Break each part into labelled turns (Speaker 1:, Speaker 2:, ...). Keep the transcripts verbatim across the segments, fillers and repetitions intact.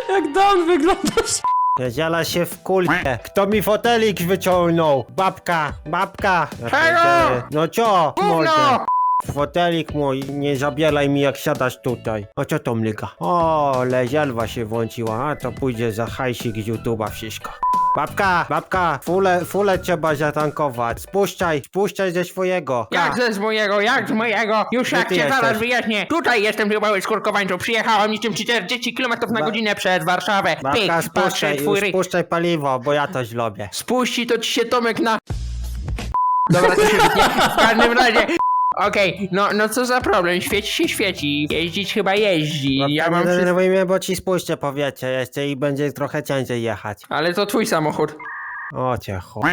Speaker 1: Jak Dan wyglądasz?
Speaker 2: Ziela się w kulkę. Kto mi fotelik wyciągnął? Babka, babka. Ja pierdzielę. No co, mordę? Fotelik mój, nie zabieraj mi jak siadasz tutaj. A co to mlyga? O, lezielwa się włączyła, a to pójdzie za hajsik z YouTube'a wszystko. Babka, babka, fulę, fulę trzeba zatankować. Spuszczaj, spuszczaj ze swojego.
Speaker 3: Jak ze z mojego, jak z mojego? Już jak
Speaker 2: ty
Speaker 3: cię zaraz
Speaker 2: jesteś?
Speaker 3: wyjaśnię. Tutaj jestem w mały skurkowańczu. Przyjechałam niczym czterdzieści kilometrów na
Speaker 2: Ba-
Speaker 3: godzinę przez Warszawę.
Speaker 2: Babka,
Speaker 3: Pyk, patrzę,
Speaker 2: spuszczaj,
Speaker 3: twój ryj.
Speaker 2: spuszczaj paliwo, bo ja to zrobię.
Speaker 3: Spuści to ci się Tomek na... Dobra, to się wytnie. W każdym razie... Okej, no, no co za problem, świeci się świeci, jeździć chyba jeździ,
Speaker 2: Babka,
Speaker 3: ja mam
Speaker 2: nie
Speaker 3: wszystko...
Speaker 2: denerwuj mnie, bo ci spuszczę powietrze jeszcze i będzie trochę ciężej jechać.
Speaker 3: Ale to twój samochód.
Speaker 2: O cię chuj.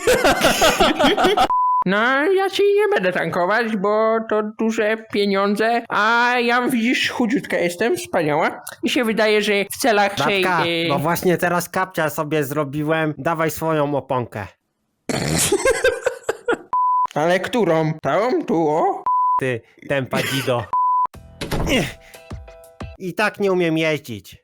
Speaker 3: No, ja ci nie będę tankować, bo to duże pieniądze, a ja widzisz, chudziutka jestem, wspaniała. Mi się wydaje, że w celach tej...
Speaker 2: Babka,
Speaker 3: y,
Speaker 2: bo właśnie teraz kapcia sobie zrobiłem, dawaj swoją oponkę.
Speaker 3: Ale którą? Tą? Tu, o?
Speaker 2: Ty, tempa dzido. Ech. I tak nie umiem jeździć.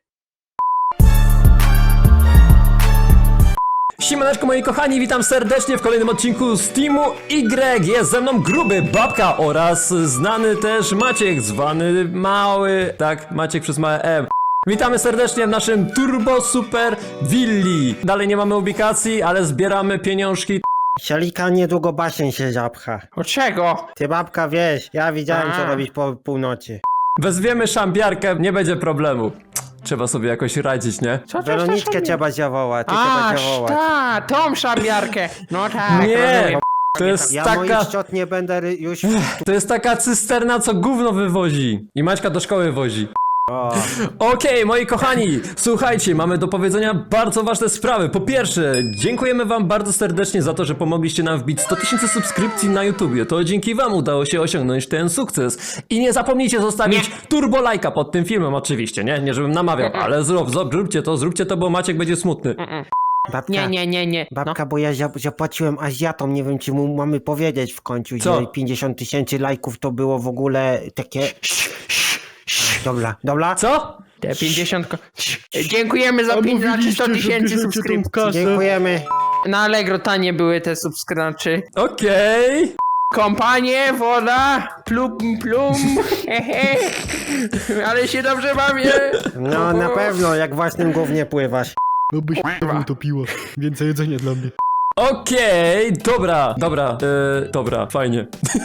Speaker 1: Siemaneczko moi kochani, witam serdecznie w kolejnym odcinku z Teamu Y. Jest ze mną Gruby, Babka oraz znany też Maciek, zwany Mały. Tak, Maciek przez małe M. Witamy serdecznie w naszym Turbo Super Willi. Dalej nie mamy ubikacji, ale zbieramy pieniążki.
Speaker 2: Sialika niedługo basen się zapcha.
Speaker 3: Od czego?
Speaker 2: Ty babka wiesz, ja widziałem co
Speaker 3: A.
Speaker 2: robić po północy.
Speaker 1: Wezwiemy szambiarkę, nie będzie problemu. Trzeba sobie jakoś radzić, nie?
Speaker 3: Co to
Speaker 2: Weroniczkę
Speaker 3: jest
Speaker 2: trzeba zawołać, ty
Speaker 3: A,
Speaker 2: trzeba zawołać.
Speaker 3: ta, tą szambiarkę. No tak,
Speaker 1: Nie,
Speaker 3: rozumiem.
Speaker 1: to jest
Speaker 2: Ja
Speaker 1: taka...
Speaker 2: moich szczot nie będę ry- już...
Speaker 1: To jest taka cysterna, co gówno wywozi. I Maćka do szkoły wozi.
Speaker 2: O,
Speaker 1: Okej, moi kochani, słuchajcie, mamy do powiedzenia bardzo ważne sprawy. Po pierwsze, dziękujemy wam bardzo serdecznie za to, że pomogliście nam wbić sto tysięcy subskrypcji na YouTubie. To dzięki wam udało się osiągnąć ten sukces. I nie zapomnijcie zostawić
Speaker 3: Nie.
Speaker 1: turbo lajka pod tym filmem, oczywiście, nie? Nie żebym namawiał, ale zrób, zrób, zróbcie to, zróbcie to, bo Maciek będzie smutny.
Speaker 2: babka,
Speaker 3: Nie, nie, nie, nie. No.
Speaker 2: babka, bo ja za- zapłaciłem Azjatom, nie wiem czy mu mamy powiedzieć w końcu,
Speaker 1: Co?
Speaker 2: że pięćdziesiąt tysięcy lajków to było w ogóle takie... Dobra, dobra?
Speaker 1: Co?
Speaker 3: Te pięćdziesiąt... ko- Dziękujemy za pięćdziesiąt sto tysięcy subskrypcji.
Speaker 2: Dziękujemy.
Speaker 3: Na Allegro tanie były te subskrypcje.
Speaker 1: Okej.
Speaker 3: Kompanie, woda, plum, plum, hehe. Ale się dobrze bawię.
Speaker 2: No na pewno, jak własnym gównie pływasz.
Speaker 4: No byś utopiła. Więcej jedzenia dla mnie.
Speaker 1: Okej, dobra, dobra, yy, dobra, fajnie.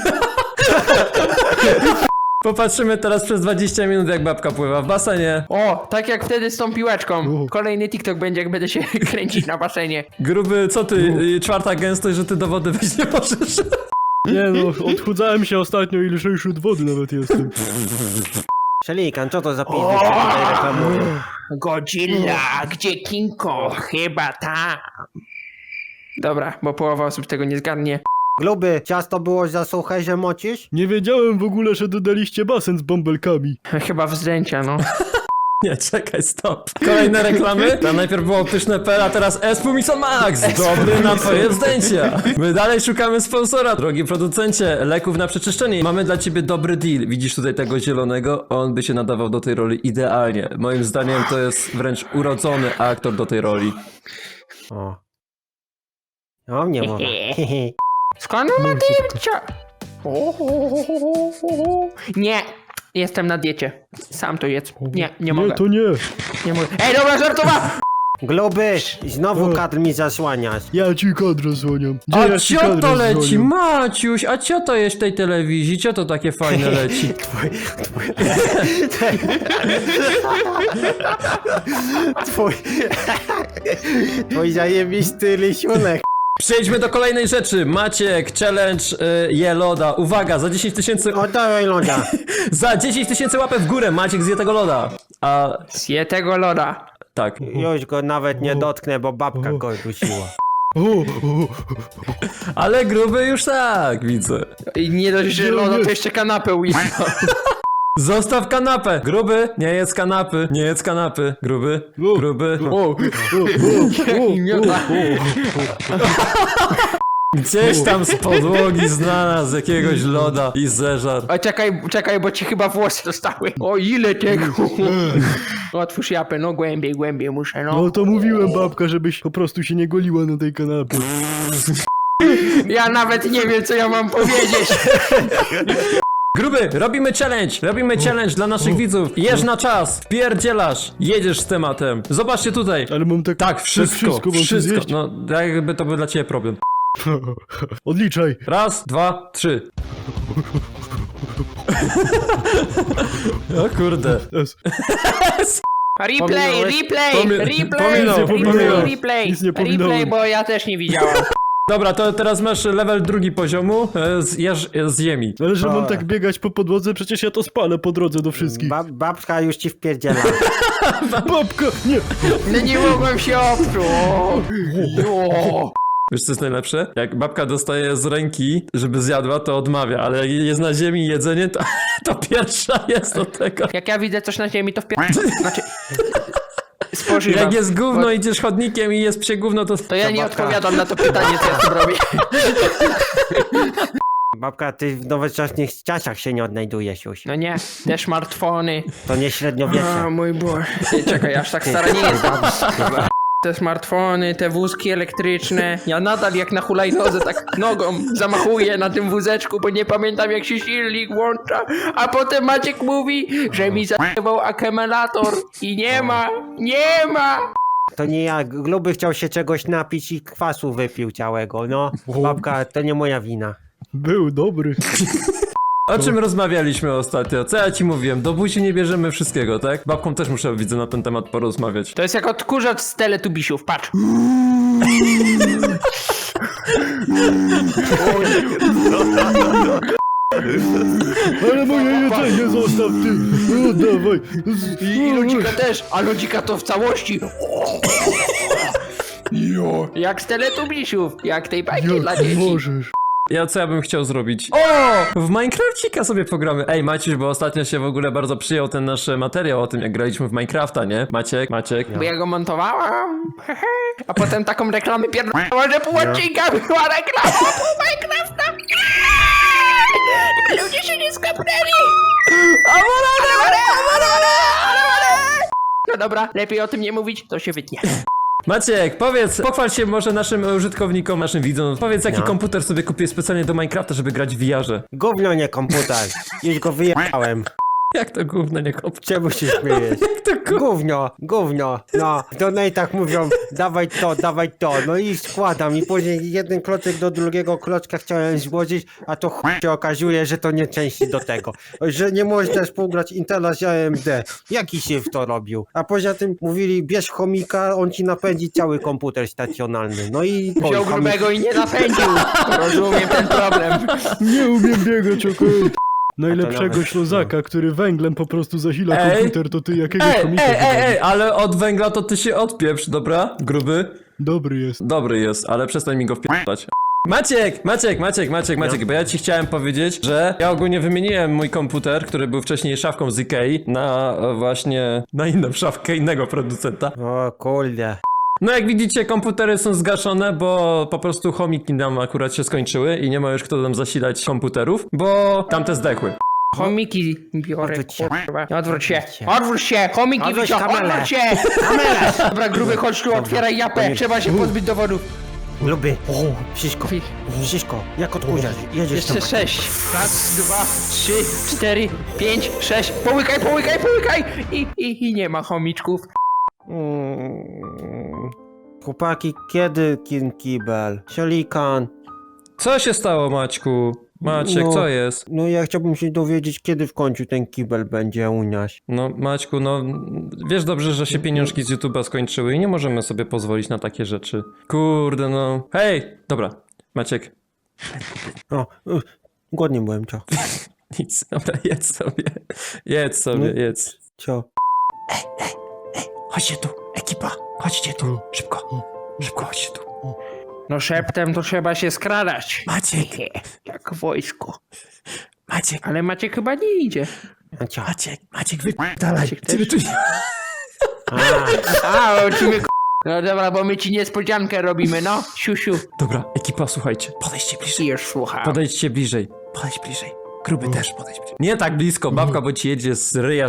Speaker 1: Popatrzymy teraz przez dwadzieścia minut, jak babka pływa w basenie.
Speaker 3: O, tak jak wtedy z tą piłeczką.
Speaker 4: U.
Speaker 3: Kolejny TikTok będzie, jak będę się kręcić na basenie.
Speaker 1: Gruby, co ty, y, czwarta gęstość, że ty do wody wyjść nie możesz?
Speaker 4: Nie no, odchudzałem się ostatnio i lżejszy od wody nawet jestem.
Speaker 2: Szelikan, co to za pizdy się tutaj reklamuje?
Speaker 3: Godzilla, gdzie King Kong? Chyba tam. Dobra, bo połowa osób tego nie zgadnie.
Speaker 2: Gluby, ciasto było za suche, że mocisz?
Speaker 4: Nie wiedziałem w ogóle, że dodaliście basen z bąbelkami.
Speaker 3: Chyba wzdęcia, no.
Speaker 1: Nie, czekaj, stop. Kolejne reklamy? Tam najpierw było pyszne P, a teraz Espumison Max. Dobry na twoje wzdęcia. My dalej szukamy sponsora, drogi producencie leków na przeczyszczenie. Mamy dla ciebie dobry deal. Widzisz tutaj tego zielonego? On by się nadawał do tej roli idealnie. Moim zdaniem to jest wręcz urodzony aktor do tej roli.
Speaker 2: O. O mnie mowa.
Speaker 3: Skąd on ma dyrcia? Nie, jestem na diecie. Sam to jedz. Nie, nie mogę.
Speaker 4: Nie, to nie.
Speaker 3: Nie mogę. Ej, dobra, żartowałem!
Speaker 2: Gluby, znowu
Speaker 4: O.
Speaker 2: kadr mi zasłaniasz.
Speaker 4: Ja ci kadr zasłaniam. Gdzie
Speaker 1: A
Speaker 4: ja ci
Speaker 1: cio
Speaker 4: kadr
Speaker 1: to leci,
Speaker 4: zasłaniam?
Speaker 1: Maciuś, a cio to jest w tej telewizji? Cio to takie fajne leci?
Speaker 2: Twój... Twój zajebisty rysunek.
Speaker 1: Przejdźmy do kolejnej rzeczy. Maciek, challenge y, je loda. Uwaga, za dziesięć tysięcy...
Speaker 2: Oddawaj loda.
Speaker 1: Za dziesięć tysięcy łapek w górę Maciek zje tego loda. A
Speaker 3: Zje tego loda.
Speaker 1: tak.
Speaker 2: Już go nawet nie dotknę, bo babka go dusiła.
Speaker 4: O, o,
Speaker 1: Ale gruby już tak, widzę.
Speaker 3: I nie dość, że
Speaker 4: Nie,
Speaker 3: loda,
Speaker 4: nie.
Speaker 3: to jeszcze kanapę ujechał.
Speaker 1: Zostaw kanapę. Gruby, nie jedz kanapy. Nie jedz kanapy. Gruby, gruby.
Speaker 4: o, o, o, o, o.
Speaker 1: Gdzieś tam z podłogi znalazł jakiegoś loda i zeżar.
Speaker 3: O, czekaj, czekaj, bo ci chyba włosy zostały. O, ile tego. Otwórz japę, no głębiej, głębiej muszę, no.
Speaker 4: No to mówiłem, babka, żebyś po prostu się nie goliła na tej kanapie.
Speaker 3: Ja nawet nie wiem, co ja mam powiedzieć.
Speaker 1: Gruby, robimy challenge! Robimy challenge dla naszych widzów. Jesz na czas, wpierdzielasz, jedziesz z tematem. Zobaczcie tutaj.
Speaker 4: Ale mam tak...
Speaker 1: Tak, wszystko,
Speaker 4: wszystko mam tu
Speaker 1: wszystko.
Speaker 4: zjeść?
Speaker 1: No, jakby to był dla ciebie problem.
Speaker 4: Odliczaj.
Speaker 1: Raz, dwa, trzy. O kurde.
Speaker 4: S.
Speaker 3: Replay,
Speaker 2: Pominąłeś?
Speaker 3: replay,
Speaker 1: Pomi-
Speaker 3: replay,
Speaker 1: pominął,
Speaker 3: replay,
Speaker 1: pominął.
Speaker 3: replay,
Speaker 4: Nic nie
Speaker 3: replay,
Speaker 4: pominąłem.
Speaker 3: bo ja też nie widziałam.
Speaker 1: Dobra, to teraz masz level drugi poziomu. e, Zjesz z ziemi.
Speaker 4: Ale że mam
Speaker 2: A.
Speaker 4: tak biegać po podłodze, przecież ja to spalę po drodze do wszystkich.
Speaker 2: Ba babka już ci wpierdziela.
Speaker 4: Babka, nie!
Speaker 3: No nie mogłem się oprzeć. O.
Speaker 1: Wiesz co jest najlepsze? Jak babka dostaje z ręki, żeby zjadła, to odmawia, ale jak jest na ziemi jedzenie, to, to pierwsza jest do tego.
Speaker 3: Jak ja widzę coś na ziemi, to wpier... Znaczy... Spożywam.
Speaker 1: Jak jest gówno,
Speaker 3: Bo-
Speaker 1: idziesz chodnikiem i jest psie gówno, to...
Speaker 3: To ja nie
Speaker 2: babka.
Speaker 3: odpowiadam na to pytanie, co ja tu robię.
Speaker 2: Babka, ty w nowoczesnych czasach się nie odnajdujesz już.
Speaker 3: No nie, te smartfony.
Speaker 2: To nie
Speaker 3: O
Speaker 2: średniowiecze.
Speaker 3: mój Boże. Ej, czekaj, aż tak stara nie jestem. Te smartfony, te wózki elektryczne. Ja nadal jak na hulajnodze tak nogą zamachuję na tym wózeczku, bo nie pamiętam jak się silnik włącza. A potem Maciek mówi, że mi zajebał akumulator i nie ma, nie ma.
Speaker 2: To nie ja. Gruby chciał się czegoś napić i kwasu wypił całego, no. Babka, to nie moja wina.
Speaker 4: Był dobry.
Speaker 1: O czym rozmawialiśmy ostatnio? Co ja ci mówiłem? Do buzi nie bierzemy wszystkiego, tak? Babką też muszę, widzę, na ten temat porozmawiać.
Speaker 3: To jest jak odkurzacz z Teletubisiów, patrz.
Speaker 4: Ale moje jedzenie zostaw ty! No dawaj!
Speaker 3: I, I lodzika też, a lodzika to w całości. Jo. Jak z Teletubisiów, jak tej bajki dla
Speaker 4: Jak
Speaker 3: dzieci.
Speaker 4: możesz?
Speaker 1: Ja co ja bym chciał zrobić? O! W Minecrafcika sobie pogramy. Ej, Maciuś, bo ostatnio się w ogóle bardzo przyjął ten nasz materiał o tym, jak graliśmy w Minecrafta, nie? Maciek, Maciek.
Speaker 3: Bo ja go montowałam, a potem taką reklamę pierdolała, że pół odcinka była reklama, pół Minecrafta. Ludzie się nie skapnęli. No dobra, lepiej o tym nie mówić, to się wytnie.
Speaker 1: Maciek, powiedz, pochwal się może naszym użytkownikom, naszym widzom. Powiedz, jaki
Speaker 2: No.
Speaker 1: komputer sobie kupiłeś specjalnie do Minecrafta, żeby grać w V R-ze.
Speaker 2: Gówno nie komputer. Już go wyjechałem.
Speaker 1: Jak to gówno nie komputer?
Speaker 2: Czemu się śmiejesz?
Speaker 1: Jak to gówno?
Speaker 2: Gówno, gówno. No, w donatach mówią, dawaj to, dawaj to. No i składam i później jeden klocek do drugiego klocka chciałem złożyć, a to chuj się okazuje, że to nie części do tego. Że nie można współgrać Intela z A M D. Jaki się w to robił? A poza tym mówili, bierz chomika, on ci napędzi cały komputer stacjonarny. No i...
Speaker 3: Wziął
Speaker 2: chomik-
Speaker 3: grubego i nie napędził. Rozumiem ten problem.
Speaker 4: Nie umiem biegać, okej.
Speaker 2: A
Speaker 4: Najlepszego
Speaker 2: to nawet-
Speaker 4: ślozaka, który węglem po prostu zasila
Speaker 1: Ej.
Speaker 4: komputer, to ty jakiego
Speaker 1: Ej,
Speaker 4: komika
Speaker 1: ej, ej,
Speaker 4: wybrałeś?
Speaker 1: ej, ale od węgla to ty się odpieprz, dobra? Gruby?
Speaker 4: Dobry jest.
Speaker 1: Dobry jest, ale przestań mi go wpierdać. Maciek, Maciek, Maciek, Maciek, Maciek, bo ja ci chciałem powiedzieć, że ja ogólnie wymieniłem mój komputer, który był wcześniej szafką z Ikei, na e, właśnie, na inną szafkę innego producenta.
Speaker 2: O kurde.
Speaker 1: No jak widzicie, komputery są zgaszone, bo po prostu chomiki nam akurat się skończyły i nie ma już kto nam zasilać komputerów, bo tamte zdechły.
Speaker 3: Chomiki biorę,
Speaker 2: Odwróć się.
Speaker 3: kurwa. Odwróć się, odwróć się, chomiki
Speaker 2: Odwróć
Speaker 3: wyciąg,
Speaker 2: kamerę.
Speaker 3: odwróć się. Kamerę. Dobra, gruby, chodź tu, otwieraj japę, trzeba się pozbyć dowodów.
Speaker 2: Lubię. Wszystko. Wszystko. Jak odkurzasz? Jedziesz tam.
Speaker 3: Jeszcze sześć. Raz, dwa, trzy, cztery, pięć, sześć. Połykaj, połykaj, połykaj. I, i, i nie ma chomiczków.
Speaker 2: Mm. Chłopaki, kiedy kin kibel? Sialikan.
Speaker 1: Co się stało, Maćku? Maciek,
Speaker 2: No.
Speaker 1: co jest?
Speaker 2: No ja chciałbym się dowiedzieć, kiedy w końcu ten kibel będzie u nas.
Speaker 1: No, Maćku, no wiesz dobrze, że się pieniążki z YouTube'a skończyły i nie możemy sobie pozwolić na takie rzeczy. Kurde, no. Hej! Dobra, Maciek,
Speaker 2: O, y, głodny byłem, co?
Speaker 1: nic, dobra, jedz sobie. Jedz sobie,
Speaker 2: No.
Speaker 1: jedz.
Speaker 2: Co?
Speaker 1: Chodźcie tu, ekipa, chodźcie tu, szybko, szybko chodźcie tu.
Speaker 3: No szeptem to trzeba się skradać.
Speaker 1: Maciek,
Speaker 3: Jak wojsko.
Speaker 1: Maciek,
Speaker 3: Ale Maciek chyba nie idzie.
Speaker 2: A co?
Speaker 1: Maciek, Maciek, wypierdalaj.
Speaker 3: Maciek też?
Speaker 1: Ciebie tu nie...
Speaker 3: A, o, ci mnie No dobra, bo my ci niespodziankę robimy, no. Siusiu.
Speaker 1: Dobra, ekipa, słuchajcie, podejdźcie bliżej.
Speaker 3: Już słucham.
Speaker 1: Podejdźcie bliżej. Podejdź bliżej. Gruby też podejdź bliżej. Nie tak blisko, babka, bo ci jedzie z ryja.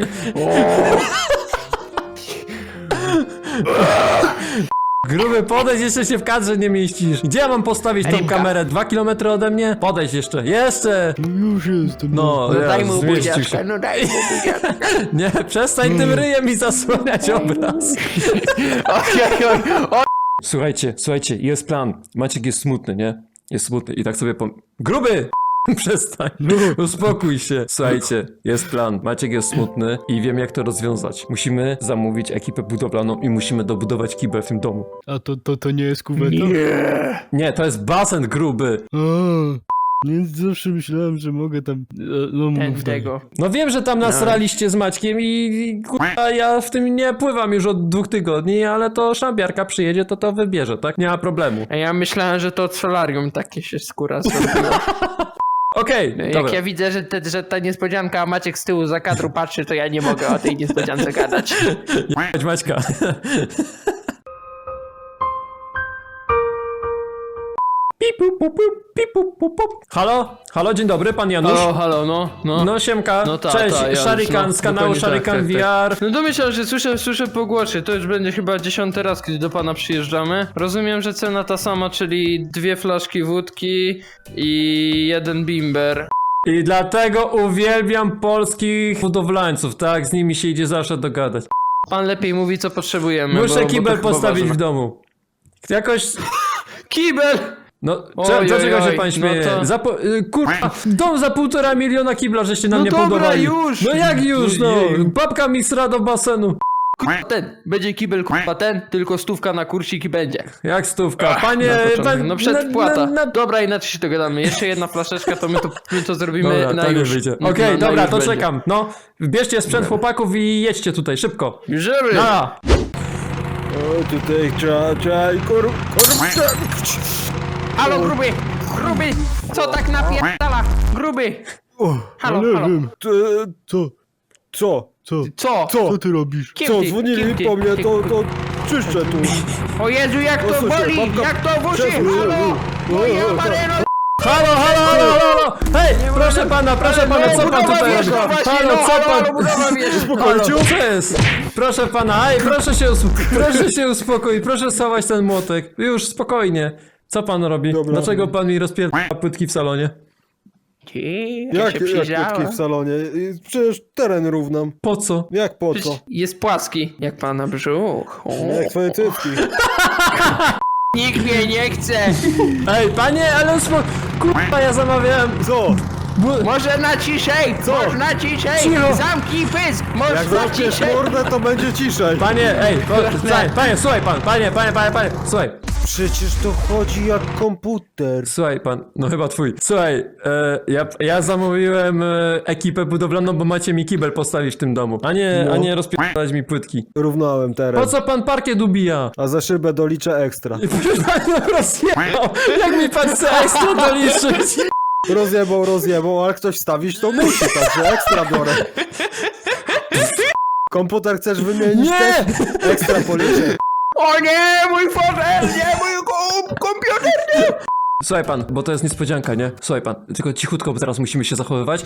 Speaker 1: Gruby, podejdź, jeszcze się w kadrze nie mieścisz. Gdzie ja mam postawić tą
Speaker 3: Rybka.
Speaker 1: kamerę? Dwa kilometry ode mnie? Podejdź jeszcze. Jeszcze!
Speaker 4: No już jestem.
Speaker 1: No,
Speaker 3: No
Speaker 1: ja,
Speaker 3: daj mu
Speaker 1: zmieścił
Speaker 3: buziaczkę,
Speaker 1: się.
Speaker 3: no daj mu buziaczkę.
Speaker 1: Nie, przestań tym ryjem mi zasłaniać obraz.
Speaker 3: Oj, oj, oj.
Speaker 1: Słuchajcie, słuchajcie, jest plan. Maciek jest smutny, nie? Jest smutny i tak sobie pom... Gruby! Przestań, uspokój się. Słuchajcie, jest plan. Maciek jest smutny i wiem, jak to rozwiązać. Musimy zamówić ekipę budowlaną i musimy dobudować kibel w tym domu.
Speaker 4: A to, to, to nie jest kuweta?
Speaker 3: Nie.
Speaker 1: Nie, to jest basen gruby.
Speaker 4: A, więc zawsze myślałem, że mogę tam... e, No,
Speaker 3: Ten
Speaker 4: mów dalej.
Speaker 3: tego.
Speaker 1: No wiem, że tam nasraliście z Maćkiem i, i kurwa, ja w tym nie pływam już od dwóch tygodni, ale to szambiarka przyjedzie, to to wybierze, tak? Nie ma problemu.
Speaker 3: A ja myślałem, że to od solarium takie się skóra zrobiła.
Speaker 1: Okej,
Speaker 3: Jak
Speaker 1: dobra.
Speaker 3: ja widzę, że, te, że ta niespodzianka, a Maciek z tyłu za kadru patrzy, to ja nie mogę o tej niespodziance gadać.
Speaker 1: Chodź, Maćka. Pipu, pu, pu, pipu, pu, pu. Halo? Halo, dzień dobry, pan Janusz.
Speaker 3: O, halo, no, no.
Speaker 1: No siemka,
Speaker 3: No ta,
Speaker 1: cześć,
Speaker 3: ta, Janusz,
Speaker 1: Sharikan
Speaker 3: no,
Speaker 1: z kanału
Speaker 3: dokładnie tak,
Speaker 1: Sharikan
Speaker 3: tak,
Speaker 1: V R.
Speaker 3: No domyślam, że słyszę, słyszę po głosie, to już będzie chyba dziesiąty raz, kiedy do pana przyjeżdżamy. Rozumiem, że cena ta sama, czyli dwie flaszki wódki i jeden bimber.
Speaker 1: I dlatego uwielbiam polskich budowlańców, tak? Z nimi się idzie zawsze dogadać.
Speaker 3: Pan lepiej mówi, co potrzebujemy. bo-
Speaker 1: Muszę
Speaker 3: bo to
Speaker 1: kibel
Speaker 3: chyba
Speaker 1: postawić
Speaker 3: ważne.
Speaker 1: w domu. Jakoś...
Speaker 3: Kibel!
Speaker 1: No,
Speaker 3: Oj,
Speaker 1: cze-
Speaker 3: oj,
Speaker 1: dlaczego się
Speaker 3: oj,
Speaker 1: pan
Speaker 3: no
Speaker 1: śmieje?
Speaker 3: to-
Speaker 1: Za po, y, kurwa, dom za półtora miliona kibla, żeście na
Speaker 3: No
Speaker 1: mnie
Speaker 3: dobra,
Speaker 1: budowali.
Speaker 3: już!
Speaker 1: No jak już, no?
Speaker 3: Jeju.
Speaker 1: Babka mi sra do basenu.
Speaker 3: Ten, będzie kibel, kurwa ten, tylko stówka na kursik i będzie.
Speaker 1: Jak stówka? Panie...
Speaker 3: Na początek.
Speaker 1: pan-
Speaker 3: No przedpłata.
Speaker 1: na- na-
Speaker 3: Dobra, inaczej się dogadamy. Jeszcze jedna flaszeczka, to my to, my to zrobimy
Speaker 1: Dobra,
Speaker 3: na
Speaker 1: to nie
Speaker 3: już.
Speaker 1: wyjdzie.
Speaker 3: Na-
Speaker 1: Okej,
Speaker 3: na- na
Speaker 1: dobra,
Speaker 3: już
Speaker 1: to
Speaker 3: będzie.
Speaker 1: czekam. No, bierzcie sprzęt chłopaków i jedźcie tutaj, szybko.
Speaker 3: Żeby!
Speaker 1: Nara.
Speaker 2: O, tutaj trzeba, trzeba i kur... kur...
Speaker 3: Halo, gruby! Gruby! Co tak napierdala? Gruby!
Speaker 2: O,
Speaker 3: Halo,
Speaker 4: nie
Speaker 3: halo.
Speaker 4: wiem.
Speaker 2: to,
Speaker 4: Co?
Speaker 2: co?
Speaker 4: Co?
Speaker 3: Co?
Speaker 2: Co?
Speaker 4: Co ty robisz?
Speaker 3: Kim
Speaker 2: Co,
Speaker 3: ty?
Speaker 2: dzwonili
Speaker 3: Kim ty?
Speaker 2: po mnie,
Speaker 3: Ty-
Speaker 2: to, to czyszczę tu.
Speaker 3: O Jezu, jak to
Speaker 2: Posłuchaj,
Speaker 3: boli!
Speaker 2: babka-
Speaker 3: Jak to w uszy!
Speaker 2: Przesuń,
Speaker 3: Halo!
Speaker 2: o, o,
Speaker 3: Moja
Speaker 2: o,
Speaker 3: mareno!
Speaker 1: Halo, halo, halo, halo! Hej, proszę pana, proszę pana, co pan tutaj robi? Halo, co pan... Halo, co jest? Proszę pana, ej, proszę się, usp... proszę się uspokoić, proszę schować ten młotek. Już, spokojnie. Co pan robi?
Speaker 2: Dobra.
Speaker 1: Dlaczego pan mi rozpierdala płytki w salonie?
Speaker 2: Jak,
Speaker 3: się
Speaker 2: jak
Speaker 3: przyjrzała.
Speaker 2: kotki w salonie? I przecież teren równam.
Speaker 1: Po co?
Speaker 2: Jak po co?
Speaker 3: Przecież jest płaski, jak pana brzuch. O.
Speaker 2: Jak twoje cycki.
Speaker 3: Nikt mnie nie chce!
Speaker 1: Ej, panie, ale uspo... Kurwa, ja zamawiałem...
Speaker 2: Co?
Speaker 1: Bu...
Speaker 3: Może na ciszej!
Speaker 2: Co?
Speaker 3: Można ciszej!
Speaker 1: Cicho.
Speaker 3: Zamknij pysk!
Speaker 2: Jak
Speaker 3: Można
Speaker 2: zamkniesz
Speaker 3: ciszej!
Speaker 2: mordę, to będzie ciszej.
Speaker 1: Panie, ej, po... panie, panie, słuchaj pan, panie, panie, panie, panie, słuchaj.
Speaker 2: Przecież to chodzi jak komputer.
Speaker 1: Słuchaj pan, no chyba twój. Słuchaj, e, ja, ja zamówiłem e, ekipę budowlaną, bo macie mi kibel postawić w tym domu, a nie,
Speaker 2: No.
Speaker 1: a nie rozpierdalać mi płytki.
Speaker 2: Równałem teren.
Speaker 1: Po co pan parkiet ubija?
Speaker 2: A za szybę doliczę ekstra.
Speaker 1: Pan rozjechał, jak mi pan chce ekstra doliczyć?
Speaker 2: Rozjebał, rozjebał, ale ktoś wstawić to musi, także ekstra biorę. Komputer chcesz wymienić
Speaker 1: Nie!
Speaker 2: też? Ekstra policzę.
Speaker 3: O nie, mój fotel, nie, mój kom- komputer!
Speaker 1: Słuchaj pan, bo to jest niespodzianka, nie? Słuchaj pan, tylko cichutko, bo teraz musimy się zachowywać.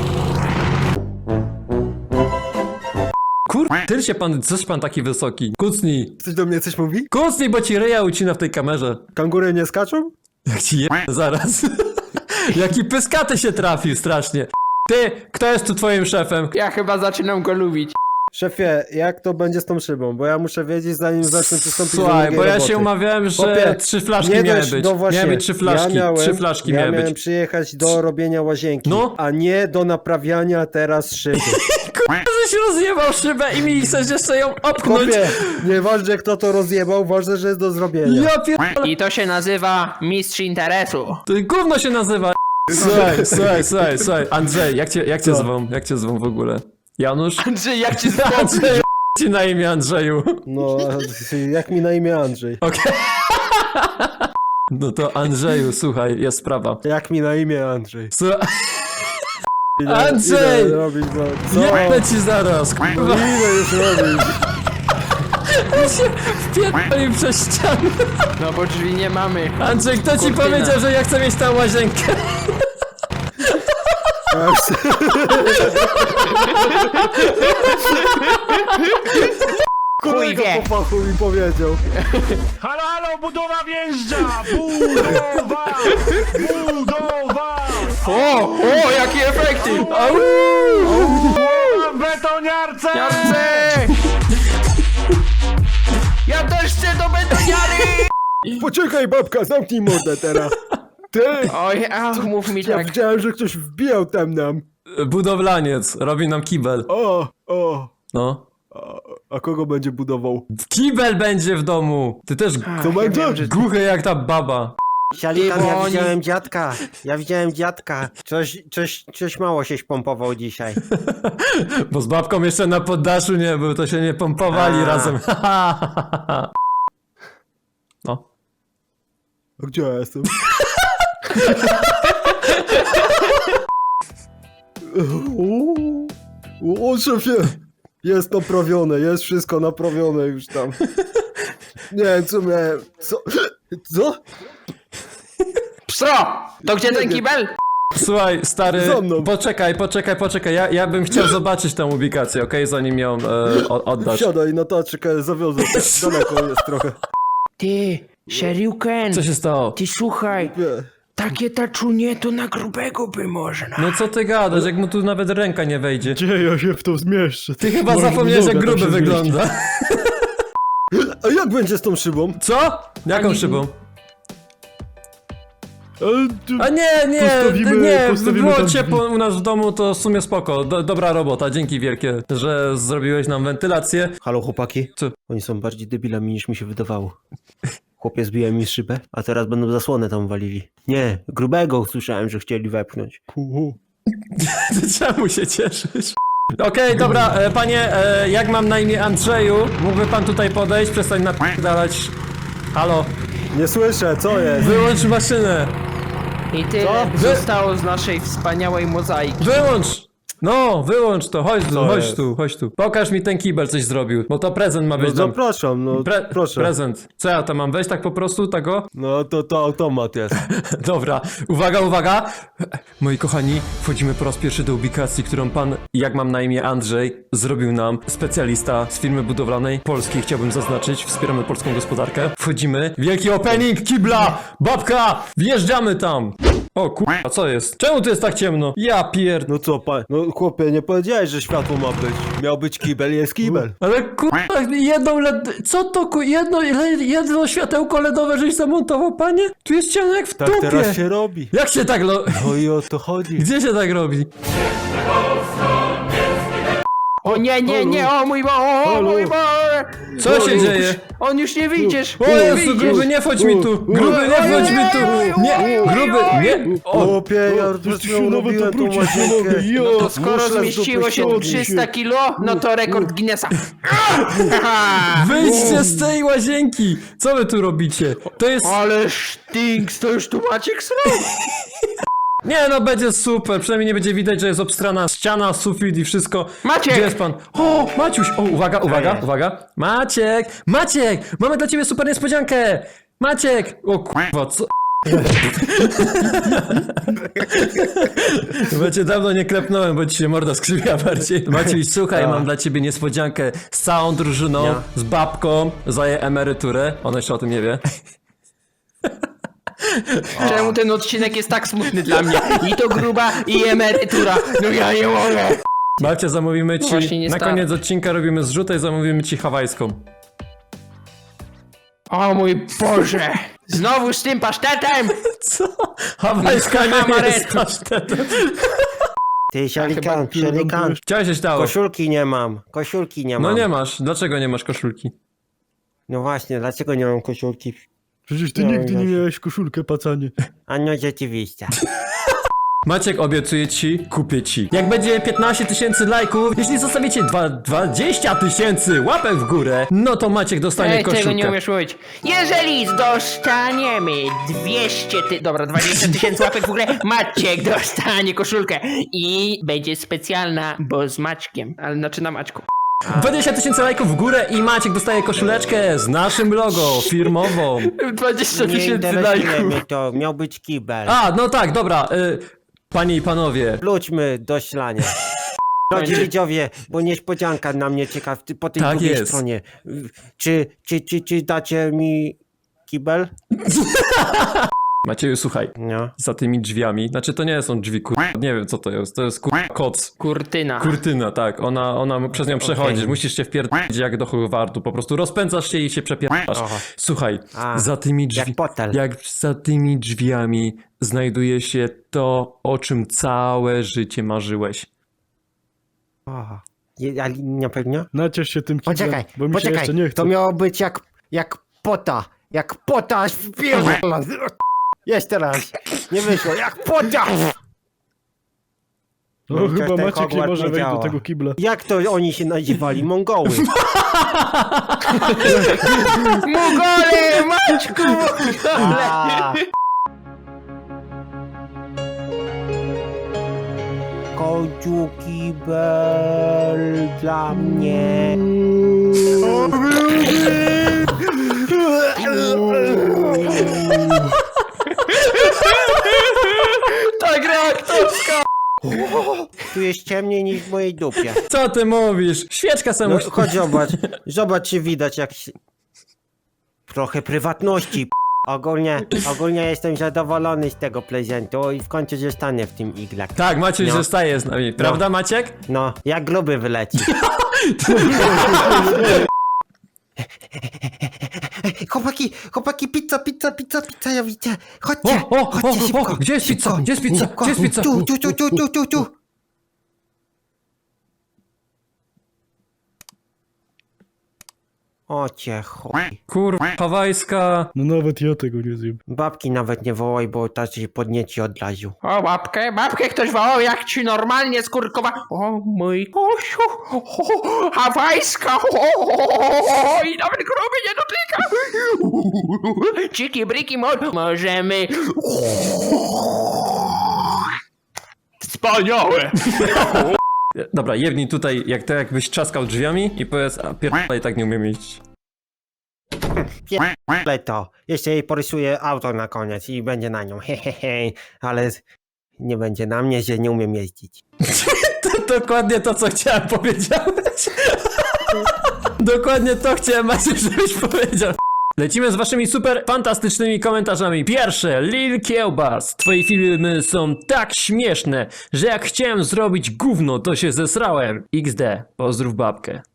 Speaker 1: Kur... Tyl się pan, coś pan taki wysoki. Kucnij.
Speaker 2: Ktoś do mnie coś mówi?
Speaker 1: Kucnij, bo ci ryja ucina w tej kamerze.
Speaker 2: Kangury nie skaczą?
Speaker 1: Jak ci je... zaraz. Jaki pyskaty się trafił strasznie. Ty, kto jest tu twoim szefem?
Speaker 3: Ja chyba zaczynam go lubić.
Speaker 2: Szefie, jak to będzie z tą szybą? Bo ja muszę wiedzieć, zanim zacznę przystąpić do
Speaker 1: Słuchaj,
Speaker 2: drugiej
Speaker 1: bo ja
Speaker 2: roboty.
Speaker 1: się umawiałem, że
Speaker 2: Chłopie,
Speaker 1: trzy flaszki
Speaker 2: nie
Speaker 1: miały
Speaker 2: dość-
Speaker 1: być.
Speaker 2: No właśnie,
Speaker 1: Miały być trzy flaszki,
Speaker 2: ja miałem,
Speaker 1: trzy flaszki
Speaker 2: ja
Speaker 1: miały
Speaker 2: miałem
Speaker 1: być.
Speaker 2: przyjechać do robienia łazienki,
Speaker 1: No.
Speaker 2: a nie do naprawiania teraz szyby.
Speaker 1: Żeś rozjebał szybę i mi chcesz jeszcze ją opchnąć.
Speaker 2: Chłopie, nieważne kto to rozjebał, ważne, że jest do zrobienia.
Speaker 1: Ja pierdolę.
Speaker 3: I to się nazywa mistrz interesu.
Speaker 1: To gówno się nazywa. Słuchaj, słuchaj, słuchaj, słuchaj. Andrzej, jak cię, jak cię
Speaker 2: Co?
Speaker 1: zwą? Jak cię zwą w ogóle? Janusz?
Speaker 3: Andrzej, jak ci
Speaker 1: Andrzej, ci na imię Andrzeju.
Speaker 2: No, jak mi na imię Andrzej?
Speaker 1: Okej. No to Andrzeju, słuchaj, jest sprawa.
Speaker 2: Jak mi na imię Andrzej?
Speaker 1: Słuchaj,
Speaker 2: Idę,
Speaker 1: Andrzej!
Speaker 2: Idę robić, bo... Co?
Speaker 1: jebę ci zaraz, kurwa.
Speaker 2: Idę już robić.
Speaker 1: się wpierdolił przez ścianę.
Speaker 3: No bo drzwi nie mamy.
Speaker 1: Andrzej, kto ci
Speaker 3: Kurtyna.
Speaker 1: powiedział, że ja chcę mieć tam łazienkę?
Speaker 2: Kolega
Speaker 3: wie.
Speaker 2: po fachu mi powiedział.
Speaker 4: Halo, halo, budowa wjeżdża! Budowa! Budowa!
Speaker 3: O, o, jakie efekty! Au!
Speaker 4: Budowa w betoniarce!
Speaker 3: Ja chcę! Ja też chcę do betoniary!
Speaker 2: Poczekaj, babka, zamknij mordę teraz. Ty!
Speaker 3: Oj, ach, mów mi
Speaker 2: Ja
Speaker 3: tak.
Speaker 2: widziałem, że ktoś wbijał tam nam.
Speaker 1: Budowlaniec, robi nam kibel.
Speaker 2: O, o.
Speaker 1: No.
Speaker 2: A, a kogo będzie budował?
Speaker 1: Kibel będzie w domu! Ty też
Speaker 2: To
Speaker 3: ja
Speaker 2: będzie?
Speaker 3: wiem, że-
Speaker 1: głuchy jak ta baba.
Speaker 2: Sialikan,
Speaker 3: Ty, bo
Speaker 2: ja
Speaker 3: oni-
Speaker 2: widziałem dziadka. Ja widziałem dziadka. Coś, coś, coś mało się pompował dzisiaj.
Speaker 1: Bo z babką jeszcze na poddaszu nie był, to się nie pompowali
Speaker 2: A.
Speaker 1: razem. No.
Speaker 2: A gdzie ja jestem? o, o, szefie! Jest naprawione, jest wszystko naprawione już tam. Nie wiem, co miałem... Co? Co?
Speaker 3: Pso! To gdzie ten kibel?
Speaker 1: Słuchaj, stary,
Speaker 2: Za mną.
Speaker 1: poczekaj, poczekaj, poczekaj. Ja, ja bym chciał zobaczyć tę ubikację, okej? Zanim ją e, o- oddasz.
Speaker 2: Wsiadaj na taczkę, zawiozę. Daleko jest trochę.
Speaker 3: Ty, Shuriken,
Speaker 1: Co się stało?
Speaker 3: ty słuchaj,
Speaker 2: Nie.
Speaker 3: takie taczunie to na grubego by można.
Speaker 1: No co ty gadasz, jak mu tu nawet ręka nie wejdzie?
Speaker 4: Gdzie ja się w to zmieszczę?
Speaker 1: Ty chyba
Speaker 4: Może
Speaker 1: zapomniałeś, jak
Speaker 4: noga tam
Speaker 1: gruby
Speaker 4: się zmieści.
Speaker 1: wygląda.
Speaker 2: A jak będzie z tą szybą?
Speaker 1: Co? Jaką
Speaker 3: Ani-
Speaker 1: szybą?
Speaker 4: Ale tu...
Speaker 1: A nie, nie,
Speaker 4: Postawimy-
Speaker 1: nie,
Speaker 4: postawimy
Speaker 1: było
Speaker 4: tam
Speaker 1: ciepło
Speaker 4: drzwi.
Speaker 1: u nas w domu, to w sumie spoko. Do, dobra robota, dzięki wielkie, że zrobiłeś nam wentylację.
Speaker 2: Halo chłopaki?
Speaker 1: Co?
Speaker 2: Oni są bardziej debilami niż mi się wydawało. Chłopie zbija mi szybę, a teraz będą zasłonę tam walili. Nie, grubego słyszałem, że chcieli wepchnąć.
Speaker 1: Ty czemu się cieszysz? Okej, dobra, e, panie, e, jak mam na imię Andrzeju, mógłby pan tutaj podejść, przestań napierdalać. Halo,
Speaker 2: Nie słyszę, co jest?
Speaker 1: wyłącz maszynę!
Speaker 3: I tyle
Speaker 1: Co?
Speaker 3: zostało z naszej wspaniałej mozaiki.
Speaker 1: Wyłącz! No, wyłącz to, chodź tu,
Speaker 2: Co
Speaker 1: chodź
Speaker 2: jest?
Speaker 1: tu, chodź tu. Pokaż mi ten kibel, coś zrobił, bo to prezent ma
Speaker 2: No
Speaker 1: być dla...
Speaker 2: zapraszam, no
Speaker 1: Pre
Speaker 2: proszę.
Speaker 1: Prezent. Co ja tam mam wejść tak po prostu, tego?
Speaker 2: No to to automat jest.
Speaker 1: Dobra, uwaga, uwaga! Moi kochani, wchodzimy po raz pierwszy do ubikacji, którą pan, jak mam na imię Andrzej, zrobił nam specjalista z firmy budowlanej polskiej, chciałbym zaznaczyć, wspieramy polską gospodarkę. Wchodzimy, wielki opening, kibla, babka, wjeżdżamy tam! O kurwa, co jest? Czemu tu jest tak ciemno? Ja pierd...
Speaker 2: No co, pa... No chłopie, nie powiedziałeś, że światło ma być. Miał być kibel, jest kibel.
Speaker 1: Ale kurwa, jedną led... Co to ku... Jedno, le- jedno światełko ledowe żeś zamontował, panie? Tu jest ciemno jak w
Speaker 2: Tak
Speaker 1: dupie!
Speaker 2: teraz się robi.
Speaker 1: Jak się tak lo...
Speaker 2: No i o to chodzi.
Speaker 1: Gdzie się tak robi?
Speaker 3: O nie, nie, nie, o mój Bo, o mój Bo!
Speaker 1: Co się
Speaker 3: już,
Speaker 1: dzieje?
Speaker 3: On już nie wyjdziesz!
Speaker 1: O Jezu, gruby, nie wchodź mi tu! Gruby, nie wchodź mi tu! Nie, gruby, nie! O,
Speaker 2: Chłopie, ja
Speaker 4: to
Speaker 2: przed
Speaker 4: się
Speaker 2: chwilą
Speaker 4: nawet
Speaker 2: robiłem tą
Speaker 4: obrócić nie
Speaker 2: łazienkę.
Speaker 4: mogę, jo.
Speaker 3: No to skoro
Speaker 2: Muszle z
Speaker 3: zmieściło
Speaker 2: dupy
Speaker 3: się
Speaker 2: ściągnij
Speaker 3: trzysta kilo, no to rekord Guinnessa.
Speaker 1: wyjdźcie z tej łazienki! Co wy tu robicie? To jest...
Speaker 3: Ale sztinks, to już tu Maciek srobi.
Speaker 1: Nie no, będzie super, przynajmniej nie będzie widać, że jest obstrana ściana, sufit i wszystko.
Speaker 3: Maciek!
Speaker 1: Gdzie jest pan? O, Maciuś! O, uwaga, uwaga, uwaga. Maciek! Maciek! Mamy dla ciebie super niespodziankę! Maciek! O kurwa, co... Bo cię dawno nie klepnąłem, bo ci się morda skrzywia bardziej. Maciuś, słuchaj, mam dla ciebie niespodziankę z całą drużyną,
Speaker 2: Ja.
Speaker 1: z babką, za jej emeryturę. Ona jeszcze o tym nie wie.
Speaker 3: Czemu ten odcinek jest tak smutny dla mnie? I to gruba, i emerytura. No ja nie mogę.
Speaker 1: Babcia, zamówimy ci,
Speaker 3: Właśnie nie
Speaker 1: na
Speaker 3: stara.
Speaker 1: koniec odcinka robimy zrzutę i zamówimy ci hawajską.
Speaker 3: O mój Boże. Znowu z tym pasztetem.
Speaker 1: Co? Hawajska nie
Speaker 3: Amaretto.
Speaker 1: jest pasztetem.
Speaker 2: Ty, sialikan, sialikan.
Speaker 1: Chciałeś się stało.
Speaker 2: Koszulki nie mam, koszulki nie mam.
Speaker 1: No nie masz. Dlaczego nie masz koszulki?
Speaker 2: No właśnie, dlaczego nie mam koszulki?
Speaker 4: Przecież ty
Speaker 2: No,
Speaker 4: nigdy nie
Speaker 2: Jaś.
Speaker 4: miałeś koszulkę, pacanie.
Speaker 2: A no rzeczywiście.
Speaker 1: Maciek, obiecuję ci, kupię ci. Jak będzie piętnaście tysięcy lajków, jeśli zostawicie dwa, dwadzieścia tysięcy łapek w górę, no to Maciek dostanie
Speaker 3: Ej, tego nie
Speaker 1: koszulkę.
Speaker 3: umiesz mówić. Jeżeli dostaniemy dwieście ty... Dobra, dwadzieścia tysięcy łapek w górę, Maciek dostanie koszulkę. I będzie specjalna, bo z Maćkiem. Ale znaczy na Maćku.
Speaker 1: dwadzieścia tysięcy lajków w górę i Maciek dostaje koszuleczkę z naszym logo firmową.
Speaker 3: dwadzieścia
Speaker 2: Nie
Speaker 3: tysięcy
Speaker 2: interesuje
Speaker 3: lajków.
Speaker 2: mnie to, miał być kibel.
Speaker 1: A, no tak, dobra. Y, panie i panowie.
Speaker 2: Wróćmy do ślania. Drodzy widzowie, bo niespodzianka na mnie czeka w- po tej
Speaker 1: Tak
Speaker 2: drugiej
Speaker 1: jest.
Speaker 2: stronie. Czy, czy, czy, czy dacie mi kibel?
Speaker 1: Macieju, słuchaj.
Speaker 2: No.
Speaker 1: Za tymi drzwiami, znaczy to nie są drzwi, kur... nie wiem co to jest, to jest kur... koc.
Speaker 3: Kurtyna.
Speaker 1: Kurtyna, tak, ona, ona przez nią przechodzisz, musisz się wpierdolić jak do Hogwartu, po prostu rozpędzasz się i się przepierdasz.
Speaker 2: Oho.
Speaker 1: Słuchaj,
Speaker 2: A,
Speaker 1: za tymi drzwi...
Speaker 2: jak potel.
Speaker 1: jak za tymi drzwiami znajduje się to, o czym całe życie marzyłeś.
Speaker 2: O, je- ale na pewno?
Speaker 4: Naciesz się tym kiblem,
Speaker 2: Poczekaj,
Speaker 4: bo mi się
Speaker 2: poczekaj,
Speaker 4: jeszcze nie chce.
Speaker 2: to miało być jak, jak pota, jak pota, aż wpierdolę. Jeszcze raz, nie wyszło, jak pota!
Speaker 4: O,
Speaker 2: No,
Speaker 4: chyba
Speaker 2: ten
Speaker 4: Maciek nie
Speaker 2: Hogwart
Speaker 4: może
Speaker 2: nie
Speaker 4: wejść do
Speaker 2: działa.
Speaker 4: tego kibla.
Speaker 2: Jak to oni się nazywali? Mongoły.
Speaker 3: Mugole, Maćku! Mugole!
Speaker 2: A. Końcu kibel dla mnie.
Speaker 3: Ta gra aktorska!
Speaker 2: Tu jest ciemniej niż w mojej dupie.
Speaker 1: Co ty mówisz? Świeczka
Speaker 2: No,
Speaker 1: samo...
Speaker 2: chodź zobacz, zobacz czy widać jak się... Trochę prywatności. Ogólnie, ogólnie jestem zadowolony z tego prezentu i w końcu zostanę w tym iglach.
Speaker 1: Tak, Maciej
Speaker 2: No.
Speaker 1: zostaje z nami, prawda Maciek?
Speaker 2: No, jak gruby wyleci. Chłopaki, chłopaki, pizza, pizza, pizza, pizza, ja widzę. Chodźcie,
Speaker 1: O, o,
Speaker 2: chodźcie
Speaker 1: o, o,
Speaker 2: szybko.
Speaker 1: gdzie jest pizza?
Speaker 2: szybko,
Speaker 1: Gdzie jest pizza?
Speaker 2: szybko.
Speaker 1: Gdzie jest pizza?
Speaker 2: Tu, tu, tu, tu, tu, tu, tu. O cię chuj.
Speaker 1: Kurwa, hawajska...
Speaker 4: No nawet ja tego nie zjem.
Speaker 2: Babki nawet nie wołaj, bo ta się podnieci od razu.
Speaker 3: O, babkę, babkę ktoś wołał, jak ci normalnie skurkowa... O, mój kosiu, o, hawajska, o, i nawet gruby nie dotyka. Ciki, briki, mo możemy... Wspaniałe!
Speaker 1: Dobra, jebnij tutaj, jak to jakbyś trzaskał drzwiami i powiedz, a pierdolę, tak nie umiem iść.
Speaker 2: Ale to, jeszcze jej porysuję auto na koniec i będzie na nią, hehehe, ale nie będzie na mnie, że nie umiem jeździć.
Speaker 1: To dokładnie to, co chciałem powiedziałeś. Dokładnie to chciałem, Maciej, żebyś powiedział. Lecimy z waszymi super fantastycznymi komentarzami. Pierwsze, Lil Kiełbas. Twoje filmy są tak śmieszne, że jak chciałem zrobić gówno, to się zesrałem. iks de, pozdrów babkę.